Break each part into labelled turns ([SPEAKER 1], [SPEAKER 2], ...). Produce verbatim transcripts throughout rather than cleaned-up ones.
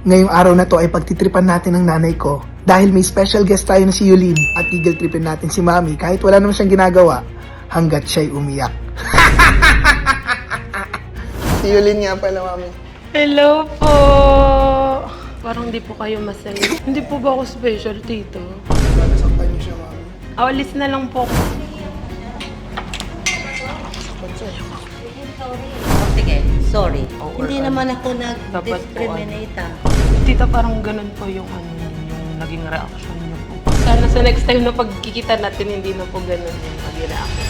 [SPEAKER 1] Ngayong araw na to ay pagtitripan natin ng nanay ko. Dahil may special guest tayo na si Yulin at tigil tripin natin si Mami kahit wala naman siyang ginagawa hanggat siya'y umiyak. Si Yulin nga pala, Mami.
[SPEAKER 2] Hello po! Parang hindi po kayo masaya. Hindi po ba ako special, tito?
[SPEAKER 1] Nasaktan niyo siya, Mami.
[SPEAKER 2] Awalis na lang po.
[SPEAKER 3] Sige, sorry.
[SPEAKER 2] Oh,
[SPEAKER 3] Hindi
[SPEAKER 2] or
[SPEAKER 3] naman
[SPEAKER 2] ano.
[SPEAKER 3] ako
[SPEAKER 2] Dapat po,
[SPEAKER 3] nag-discriminate ah.
[SPEAKER 2] Tita, parang ganun po yung, ano, yung naging reaction niyo po. Sana sa next time na pagkikita natin, hindi na po ganun yung naging reaction.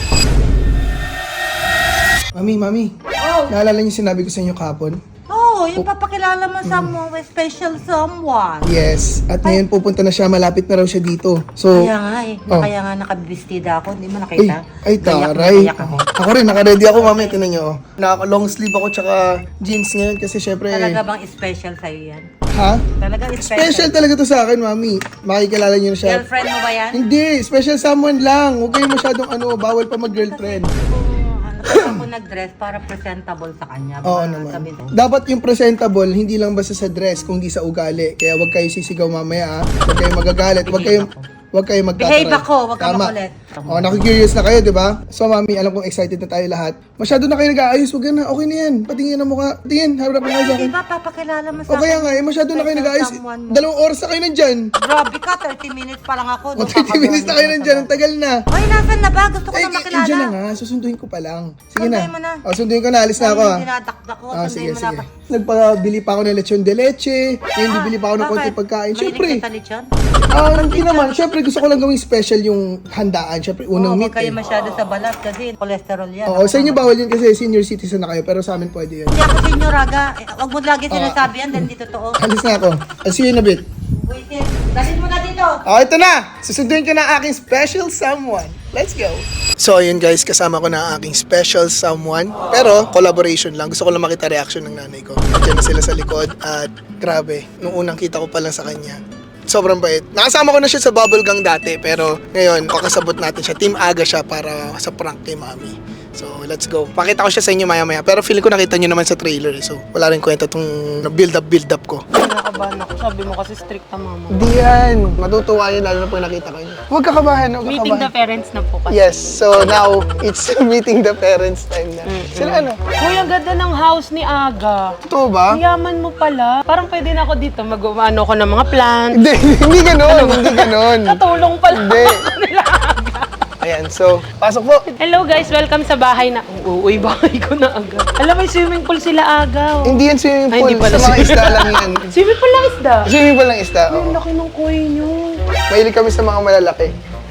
[SPEAKER 1] Mami, Mami.
[SPEAKER 3] Oh,
[SPEAKER 1] Naalala niyo sinabi ko sa inyo kahapon?
[SPEAKER 3] oh, yung papakilala mo sa mo, special someone.
[SPEAKER 1] Yes. At ngayon pupunta na siya. Malapit na raw siya dito. So,
[SPEAKER 3] Kaya nga eh,
[SPEAKER 1] Oh.
[SPEAKER 3] kaya nga nakabistida ako, hindi mo
[SPEAKER 1] ay,
[SPEAKER 3] nakita?
[SPEAKER 1] ay
[SPEAKER 3] Gayak na
[SPEAKER 1] taray.
[SPEAKER 3] gayak ako.
[SPEAKER 1] Ako rin, naka-ready ako, Mami. Tinan niyo. Oh. Naka-long sleeve ako tsaka jeans ngayon kasi syempre...
[SPEAKER 3] Talaga bang special sa'yo yan?
[SPEAKER 1] Ha?
[SPEAKER 3] Talaga special?
[SPEAKER 1] Special talaga to sa akin, Mami. Makikilala niyo na siya.
[SPEAKER 3] Girlfriend mo ba yan?
[SPEAKER 1] Hindi, special someone lang. Huwag kayong masyadong ano, bawal pa mag-girlfriend.
[SPEAKER 3] Oo, ano kaya ako nag-dress para presentable sa kanya?
[SPEAKER 1] Oo
[SPEAKER 3] Baka
[SPEAKER 1] naman.
[SPEAKER 3] sabihin mo,
[SPEAKER 1] Dapat yung presentable, hindi lang basta sa dress, kundi sa ugali. Kaya huwag kayo sisigaw mamaya, ha? Huwag kayong magagalit. Huwag kayong, huwag kayong magtataray.
[SPEAKER 3] Behave ako, huwag ka
[SPEAKER 1] Tama.
[SPEAKER 3] makulit.
[SPEAKER 1] Oh, naku-curious na kayo, di ba? So, Mami, alam kong excited na tayo lahat. Masyado na kayo nag-aayos. Huwag na, okay na yan. Patingin ang mukha. Tingin, harap na kayo sa
[SPEAKER 3] Di
[SPEAKER 1] akin.
[SPEAKER 3] ba papakilala mo sa
[SPEAKER 1] O kaya nga, eh, masyado na kayo
[SPEAKER 3] Special
[SPEAKER 1] nag-aayos.
[SPEAKER 3] someone mo.
[SPEAKER 1] Dalawang oras na kayo nandyan.
[SPEAKER 3] Grabe ka, thirty minutes pa lang ako.
[SPEAKER 1] O, thirty minutes na kayo nandyan. Ang tagal na.
[SPEAKER 3] Ay, nasan na ba? Gusto ko
[SPEAKER 1] Eh,
[SPEAKER 3] na
[SPEAKER 1] eh,
[SPEAKER 3] makilala.
[SPEAKER 1] dyan na nga. Susunduin ko pa lang. Sige na.
[SPEAKER 3] Sunduin mo na.
[SPEAKER 1] O, sunduin ko na. Alis na ako, ha.
[SPEAKER 3] Dinadakdak ko.
[SPEAKER 1] Ah,
[SPEAKER 3] sunduin
[SPEAKER 1] sige,
[SPEAKER 3] mo na
[SPEAKER 1] sige.
[SPEAKER 3] pa.
[SPEAKER 1] Nagpabili pa ako ng lechon de leche. Ngayon,
[SPEAKER 3] Ah,
[SPEAKER 1] bibili pa ako ng konti
[SPEAKER 3] bakit?
[SPEAKER 1] pagkain.
[SPEAKER 3] Mahilig
[SPEAKER 1] Siyempre.
[SPEAKER 3] ka sa lechon?
[SPEAKER 1] Ah, hindi naman. Siyempre, gusto ko lang gawing special yung handaan. Siyempre, unang
[SPEAKER 3] Oo,
[SPEAKER 1] meat
[SPEAKER 3] huwag kayo
[SPEAKER 1] eh.
[SPEAKER 3] masyado sa balat kasi cholesterol yan.
[SPEAKER 1] Oo, sa inyo bawal yun kasi senior citizen na kayo. Pero sa amin pwede yun.
[SPEAKER 3] Hindi ako senior, Raga. Eh, Huwag mo lagi
[SPEAKER 1] Ah.
[SPEAKER 3] sinasabi yan dahil hindi totoo.
[SPEAKER 1] Alis na ako. I'll see you in a bit.
[SPEAKER 3] Wait, dalhin mo na dito.
[SPEAKER 1] Oh, ito na! Susunduin ko na ang aking special someone. Let's go! So, ayun guys, kasama ko na ang aking special someone. Pero, collaboration lang. Gusto ko lang makita reaction ng nanay ko. Diyan na sila sa likod. At grabe, nung unang kita ko pa lang sa kanya, sobrang bait. Nakasama ko na siya sa bubble gang dati. Pero ngayon, pakasabot natin siya. Team Aga siya para sa prank kay Mami. So, let's go. Pakita ko siya sa inyo maya-maya. Pero feeling ko nakita nyo naman sa trailer. Eh. So, wala rin kwenta tong build-up, build-up ko.
[SPEAKER 2] Kinakabahan ako. Sabi mo kasi strict na mama.
[SPEAKER 1] Di yan. Matutuwa yun lalo na pag nakita ko yun. Huwag kakabahan, huwag
[SPEAKER 2] Meeting the
[SPEAKER 1] kakabahan.
[SPEAKER 2] parents na po kasi.
[SPEAKER 1] Yes, so now, it's meeting the parents time na. Sila ano?
[SPEAKER 2] Kuya, ganda ng house ni Aga.
[SPEAKER 1] Totoo ba?
[SPEAKER 2] Ang yaman mo pala. Parang pwede na ako dito. Mag-ano ko ng mga plants.
[SPEAKER 1] Hindi, hindi ganon, hindi ganon.
[SPEAKER 2] Katulong pala
[SPEAKER 1] Hindi.
[SPEAKER 2] ako nila Aga.
[SPEAKER 1] Ayan, so, pasok po.
[SPEAKER 2] Hello guys, welcome sa bahay na... Uuy, bahay ko na Aga. Alam, may swimming pool sila Aga. Oh.
[SPEAKER 1] Hindi yan swimming
[SPEAKER 2] Ay,
[SPEAKER 1] pool,
[SPEAKER 2] hindi pala
[SPEAKER 1] sa mga
[SPEAKER 2] swimming-
[SPEAKER 1] isda lang yan.
[SPEAKER 2] Swimming pool lang isda.
[SPEAKER 1] Swimming pool lang isda,
[SPEAKER 2] Ay,
[SPEAKER 1] oo.
[SPEAKER 2] ang laki ng kuy nyo.
[SPEAKER 1] Mahilig kami sa mga malalaki.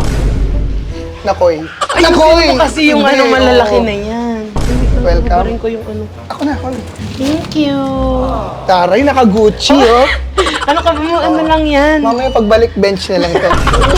[SPEAKER 1] Nakoy.
[SPEAKER 2] Ay, gusto ko kasi yung
[SPEAKER 1] Hindi,
[SPEAKER 2] ano malalaki
[SPEAKER 1] oo.
[SPEAKER 2] na yan.
[SPEAKER 1] Welcome.
[SPEAKER 2] Welcome. ko yung ano.
[SPEAKER 1] Ako na, ako na.
[SPEAKER 2] Thank you.
[SPEAKER 1] Taray, naka-Gucci, oh.
[SPEAKER 2] Ano ka ba mo? Ano lang yan?
[SPEAKER 1] Mamaya pagbalik, bench na lang to.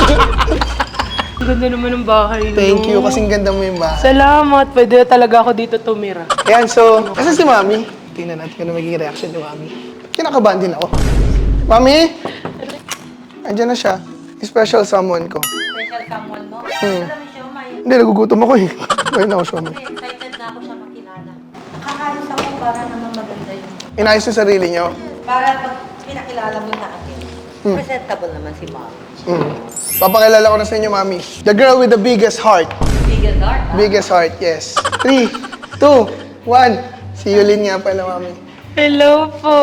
[SPEAKER 2] Ang ganda naman ng bahay nyo.
[SPEAKER 1] Thank you, kasing ganda mo yung bahay.
[SPEAKER 2] Salamat. Pwede talaga ako dito tumira.
[SPEAKER 1] Ayan, so, nasa si Mami? Tingnan natin kung ano magiging reaction ni Mami. Kinakabahan din ako. Mami? Andiyan na siya. Special someone ko.
[SPEAKER 3] Special someone mo?
[SPEAKER 1] Hmm.
[SPEAKER 3] Alam mo siya, may...
[SPEAKER 1] Hindi, nagugutom ako eh. Kaya na ako siya.
[SPEAKER 3] Kasi excited na ako siya makilala. Nakakaayos ako para naman maganda yun.
[SPEAKER 1] Inayos yung sarili niyo.
[SPEAKER 3] Para pag pinakilala mo na akin, presentable naman si Mom.
[SPEAKER 1] Mm. Papakilala ko na sa inyo, Mami. The girl with the biggest heart.
[SPEAKER 3] Biggest heart, ah.
[SPEAKER 1] Biggest heart, yes. Three, two, one. Si Yulin nga pala, Mami.
[SPEAKER 2] Hello po.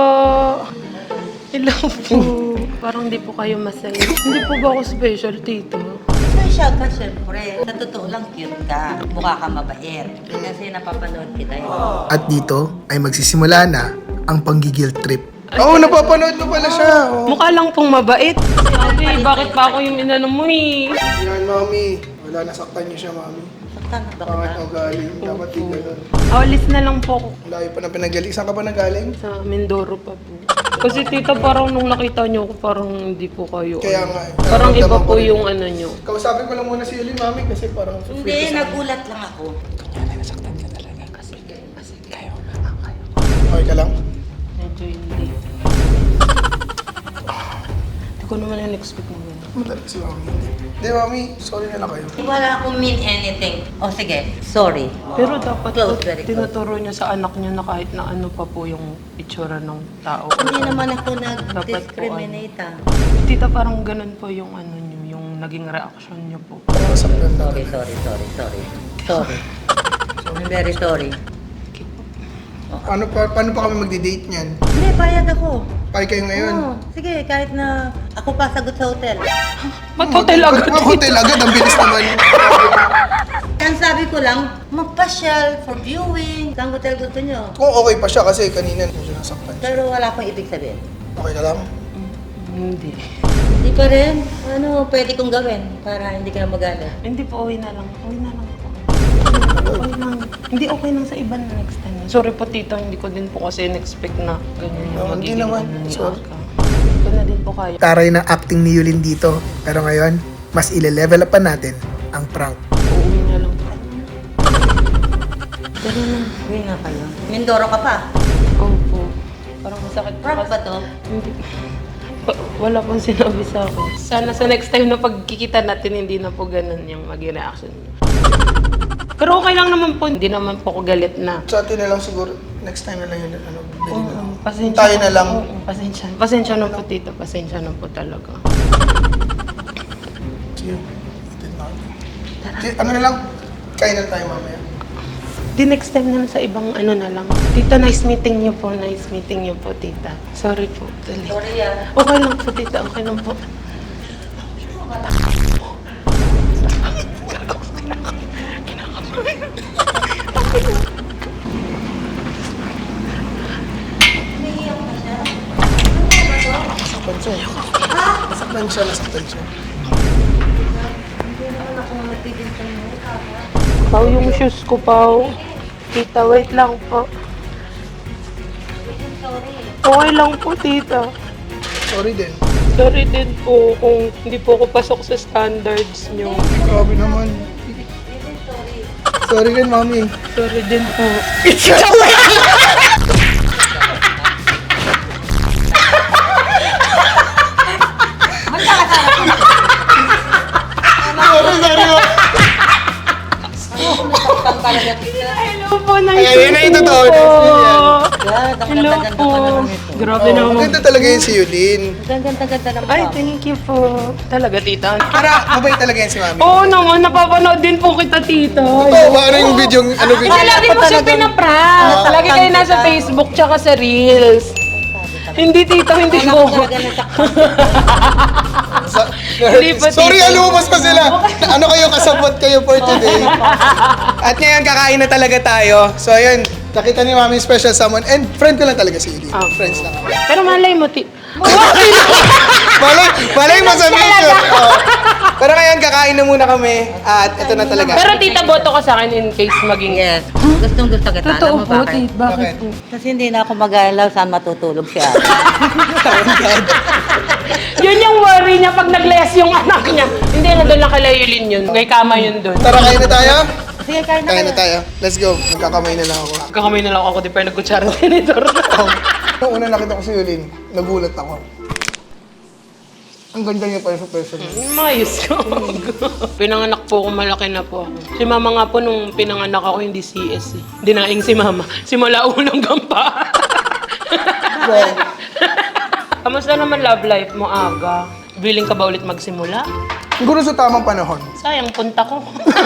[SPEAKER 2] Hello po. Parang hindi po kayo masaya. Hindi po ba ako special, tito?
[SPEAKER 3] Special ka, syempre. Sa totoo lang, cute ka. Mukha ka mabait. Kasi napapanood kita yun.
[SPEAKER 1] At dito ay magsisimula na ang panggigil trip. Oo, oh, napapanood mo pala siya. Oh.
[SPEAKER 2] Mukha lang pong mabait. Sabi, bakit pa ako yung inano mo eh?
[SPEAKER 1] Yan, Mami. Wala, nasaktan niyo siya, Mami.
[SPEAKER 3] Saktan na ba
[SPEAKER 1] Pangat
[SPEAKER 3] kita?
[SPEAKER 1] o galing. Dapat di ganun.
[SPEAKER 2] Awalis na lang po ako.
[SPEAKER 1] Layo pa na pinagaling. Saan ka pa nagaling?
[SPEAKER 2] Sa Mindoro pa po. Kasi tita, parang nung nakita niyo ako, parang hindi po kayo.
[SPEAKER 1] Kaya
[SPEAKER 2] ano.
[SPEAKER 1] nga eh.
[SPEAKER 2] Parang iba
[SPEAKER 1] Nararamdaman
[SPEAKER 2] po
[SPEAKER 1] ko rin.
[SPEAKER 2] yung ano niyo.
[SPEAKER 1] Kausapin ko lang muna si Yulin, Mami, kasi parang...
[SPEAKER 3] Hindi, nagulat lang ako.
[SPEAKER 1] Okay ka lang?
[SPEAKER 2] Medyo hindi. Hindi ko naman na-expect na gano'n.
[SPEAKER 1] mo talaga si Mami. Hindi, Mami. Sorry na lang kayo.
[SPEAKER 3] Wala akong mean anything. O sige, sorry.
[SPEAKER 2] Pero dapat
[SPEAKER 3] Close,
[SPEAKER 2] po,
[SPEAKER 3] very close.
[SPEAKER 2] tinuturo niya sa anak niya na kahit na ano pa po yung itsura ng tao.
[SPEAKER 3] Hindi naman ako
[SPEAKER 2] Dapat po,
[SPEAKER 3] nag-discriminate ah.
[SPEAKER 2] Tita, parang ganun po yung ano niyo, yung naging reaction niyo po.
[SPEAKER 1] Masaktan na.
[SPEAKER 3] Sorry, sorry, sorry, sorry. Sorry. I'm very sorry.
[SPEAKER 1] Paano pa, paano pa kami magdi-date niyan?
[SPEAKER 3] Hindi, payag ako.
[SPEAKER 1] Pay kayo ngayon.
[SPEAKER 3] Oo, sige, kahit na ako pa sagot sa hotel.
[SPEAKER 2] Ba't hotel agad?
[SPEAKER 1] Ba't hotel agad? Ang bilis naman.
[SPEAKER 3] Ang sabi ko lang, magpasyal for viewing. Saan hotel gusto nyo?
[SPEAKER 1] Kung okay pa siya kasi kanina medyo nasaktan siya.
[SPEAKER 3] Pero wala akong ibig sabihin.
[SPEAKER 1] Okay ka lang?
[SPEAKER 2] Hindi.
[SPEAKER 3] Hindi pa rin. Ano pwede kong gawin para hindi ka na magalit?
[SPEAKER 2] Hindi po, uwi na lang. Uwi na lang po. Okay lang. Hindi okay lang sa iba na next time. Sorry po tita, hindi ko din po kasi in-expect na ganyan yung
[SPEAKER 1] Oh, hindi
[SPEAKER 2] magiging
[SPEAKER 1] naman.
[SPEAKER 2] ano ni
[SPEAKER 1] Sorry.
[SPEAKER 2] Aka. Hindi ko na din po kaya.
[SPEAKER 1] Taray ng acting ni Yulin dito. Pero ngayon, mas ile-level up pa natin ang prank.
[SPEAKER 2] Uuwi na lang po.
[SPEAKER 3] Pero na, uwi nga kayo. Mindoro ka pa.
[SPEAKER 2] Opo. Parang masakit po
[SPEAKER 3] Prank
[SPEAKER 2] kasi.
[SPEAKER 3] ba to?
[SPEAKER 2] Hindi. Wa- Wala pong sinabi sa akin. Sana sa next time na pagkikita natin, hindi na po ganun yung maging reaction niyo. Pero okay lang naman po. Hindi naman po ako galit na.
[SPEAKER 1] Sa atin na lang siguro, next time na lang yun. Ano, bili na lang.
[SPEAKER 2] Oo, pasensya.
[SPEAKER 1] Tayo na lang.
[SPEAKER 2] Oo, pasensya. Pasensya na po tita. Pasensya na po talaga.
[SPEAKER 1] Sige. Atin na. Sige, ano na lang? Kain na tayo mamaya.
[SPEAKER 2] Di next time na lang sa ibang ano na lang. Tita, nice meeting niyo po. Nice meeting niyo po, tita. Sorry po. Dali.
[SPEAKER 3] Sorry ah.
[SPEAKER 2] Okay lang po, tita. Okay lang po.
[SPEAKER 1] Nasaktan siya. Nasaktan siya, nasaktan siya.
[SPEAKER 3] Hindi naman ako nagpipinsan mo.
[SPEAKER 2] Pau, yung shoes ko, Pau. Tita, wait lang po.
[SPEAKER 3] Sorry.
[SPEAKER 2] Okay lang po, tita.
[SPEAKER 1] Sorry din.
[SPEAKER 2] Sorry din po kung hindi po ako pasok sa standards niyo.
[SPEAKER 1] Grabe naman.
[SPEAKER 3] Sorry.
[SPEAKER 1] Sorry din, Mami.
[SPEAKER 2] Sorry din po.
[SPEAKER 1] Sorry, sorry.
[SPEAKER 3] Sumisaktan talaga kita.
[SPEAKER 2] Hello po, nice
[SPEAKER 1] Ayan, yun na yung
[SPEAKER 2] meeting you
[SPEAKER 1] totoo.
[SPEAKER 2] po.
[SPEAKER 3] God, ang
[SPEAKER 2] Hello
[SPEAKER 3] ganda-ganda
[SPEAKER 2] po.
[SPEAKER 3] pa naman ito.
[SPEAKER 2] Grabe
[SPEAKER 1] Oh,
[SPEAKER 2] naman.
[SPEAKER 1] maganda talaga yun si Yulin.
[SPEAKER 3] Ang ganda-ganda naman.
[SPEAKER 2] Ay, thank you po. Talaga, tita.
[SPEAKER 1] Para, mabait talaga yan si Mami.
[SPEAKER 2] Oo naman, napapanood din po kita, tita.
[SPEAKER 1] Oo, ba? Ano yung video? Ano video?
[SPEAKER 2] Ay, lagi mo siya pinaprank. Lagi kayo nasa Facebook tsaka sa Reels. Hindi, tita, hindi
[SPEAKER 3] Anak
[SPEAKER 2] ko.
[SPEAKER 3] ko talaga nasaktan.
[SPEAKER 1] Sa-
[SPEAKER 2] Hindi pa,
[SPEAKER 1] Sorry,
[SPEAKER 2] tita.
[SPEAKER 1] alumos pa sila. Ano kayo, kasabot kayo for today. At ngayon, kakain na talaga tayo. So, ayun, nakita ni Mami special someone. And friend ko lang talaga si Yulin.
[SPEAKER 2] Ah.
[SPEAKER 1] Friends lang.
[SPEAKER 2] Pero malay mo, ti...
[SPEAKER 1] Malay, malay mo sa video. Oo. Pero ngayon, kakain na muna kami. At ito na talaga.
[SPEAKER 2] Pero tita, boto ka sa akin in case maging...
[SPEAKER 3] Yes. Gustong gusto kita.
[SPEAKER 2] Totoo
[SPEAKER 3] Alam mo
[SPEAKER 2] po,
[SPEAKER 3] bakit?
[SPEAKER 2] tita. Bakit
[SPEAKER 1] Bakit?
[SPEAKER 2] po?
[SPEAKER 3] Kasi hindi na ako mag-aalaw saan matutulog siya.
[SPEAKER 2] Yun yung worry niya pag nag-less yung anak niya. Hindi, nandun lang kay Layulin yun. May kama yun dun.
[SPEAKER 1] Tara, kain na tayo?
[SPEAKER 3] Sige, kain na
[SPEAKER 1] Kain na
[SPEAKER 3] kayo.
[SPEAKER 1] tayo. Let's go. Magkakamay na lang ako.
[SPEAKER 2] Kakamay na lang ako, di pa nagkutsara tinidor.
[SPEAKER 1] Nung una nakita ko si Yulin, nagulat ako. Ang ganda niya pala sa person.
[SPEAKER 2] Mayos ko. Pinanganak po ako, malaki na po ako. Si mama nga po, nung pinanganak ako, hindi C S eh. Dinaing si mama. Simula unang gampa.
[SPEAKER 1] Wow.
[SPEAKER 2] Kamusta naman love life mo, Aga? Willing ka ba ulit magsimula?
[SPEAKER 1] Siguro sa tamang panahon.
[SPEAKER 2] Sayang, punta ko.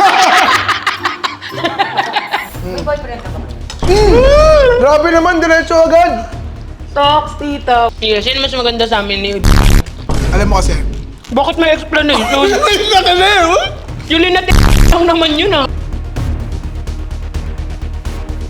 [SPEAKER 3] May boyfriend ka ba?
[SPEAKER 1] Mm! Grabe naman, diretso agad.
[SPEAKER 2] Talks, tita. Yeah, sino mas maganda sa amin ni
[SPEAKER 1] Alam mo kasi,
[SPEAKER 2] Bakit may explanation?
[SPEAKER 1] ay, naka na eh, oh.
[SPEAKER 2] Yulin natin lang naman yun ah.